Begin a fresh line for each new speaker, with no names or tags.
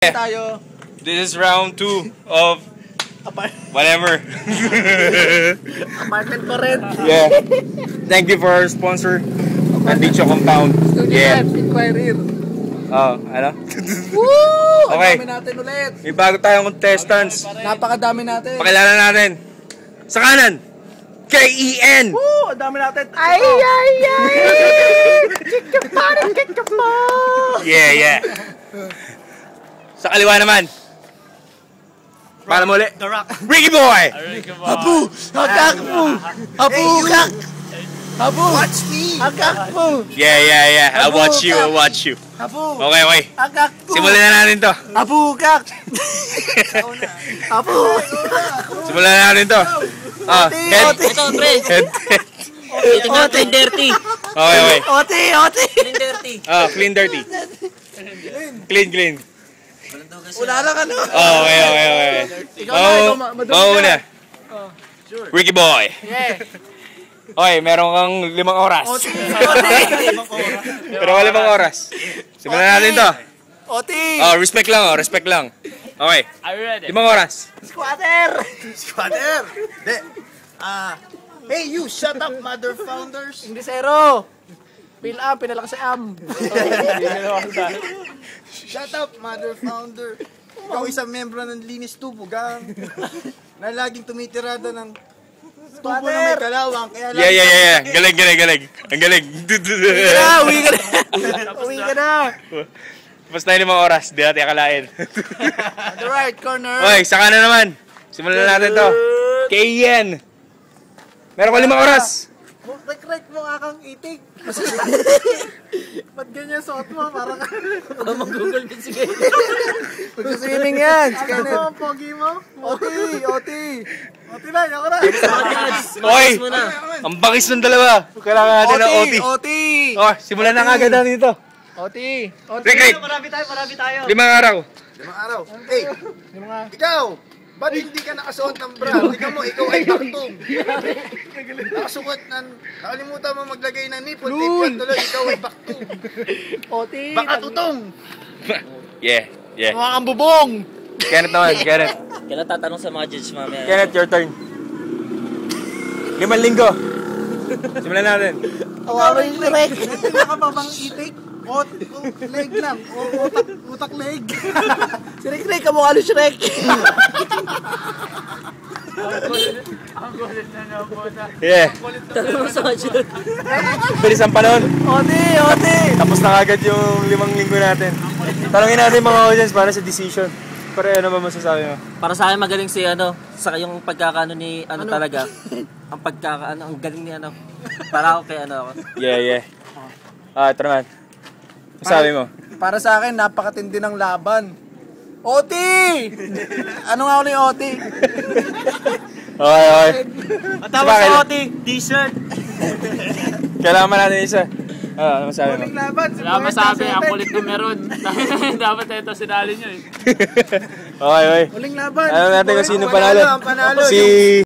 Tayo.
This is round 2 of whatever.
Apartment pa rin.
Yeah. Thank you for our sponsor, Andicho Compound. Yeah.
Inquiry.
Oh, ano?
Woo!
Okay.
Ang dami natin ulit.
May bago tayong contestants.
Napakadami natin.
Pakilala natin. Sa kanan, K-E-N.
Woo! Ang dami natin.
Ay! Kikapa!
Yeah. Sa kaliwa naman. Para muli.
The Rock.
Ricky Boy.
Abu! Hagak mo! Abu! Kak! Abu!
Watch me!
Hagak mo!
Yeah. I'll watch you.
Abu!
Okay.
Hagak mo!
Simulan na natin to.
Abu! Kak! Abu!
Simulan na natin to. Head.
Ito, pre!
Head.
Ito nga, clean dirty!
Okay.
Oti!
Clean dirty!
Clean dirty. Clean.
Wala lang ano.
Okay.
Ikaw na,
Mauna. Ricky Boy.
Yeah.
Okay, meron kang 5 oras.
Oti!
Pero wala 5 oras. Simulan natin to.
Oti!
Respect lang. Okay.
Are you ready?
5 oras.
Squatter!
De, hey you, shut up, mother founders!
Hindi zero! Fill up, pinalakas sa am.
Shut up, mother founder! Ikaw isang membro ng Linis Tubo, gang! Na laging tumitirada ng tubo na may kalawang, kaya
Yeah. Galing. Ang galing.
Uwi ka na!
Basta na 5 oras. Di natin akalain.
On the right corner.
Okay, sa kanan naman. Simulan natin to. K-E-N. Meron ko 5 oras.
Rek mo nga kang itik. Ba't ganyan suot mo? Parang
Mag-google din si Kenneth.
Mag-swimming yan. Si Kenneth.
Ano ang pogi mo?
Oti na, ako na.
Okay. Ang bangis ng dalawa. Kailangan natin ng OT.
Oti.
Okay, simulan na agad natin ito.
Oti.
Rick.
Marami tayo.
5 araw.
5 araw. Hey, ikaw! Ba't hindi ka nakasuot ng bra? Tingnan mo, ikaw ay baktong. Nakasuot ng... Nakalimutan mo maglagay ng nipple tape yan tuloy. Ikaw ay baktong.
Oti.
Baka tutong.
Yeah.
Mga kang bubong.
Kenneth naman, Kenneth.
Kailan tatanong sa mga judge mamaya?
Kenneth, your turn. 5 linggo. Simulan natin.
Awarin yung Rek. Hindi ka pa bang itik? Leg lang. Utak leg. Si Rek, kamukha ni Shrek.
Yeah.
Tanong mo sa mga judge.
Bilis ang panahon.
Oti.
Tapos na agad yung 5 linggo natin. Tanungin natin mga audience para sa decision. Pero ano ba masasabi mo?
Para sa akin magaling si sa yung pagkakaano ni talaga. Ang pagkakaano, ang galing ni Para ako kay ako.
Yeah. Ito naman. Sabi mo?
Para sa akin, napakatindi ng laban. Oti! Ano nga ulit Oti?
Okay.
Tapos
Bakit?
Oti, t-shirt.
Kailangan natin isa. Ano masabi mo?
Uling laban.
Wala masabi, ang kulit ko meron. Dapat ito sinali nyo eh.
Okay.
Uling laban.
Ano natin kung sino
Ang panalo,
panalo?
ang panalo.
Si...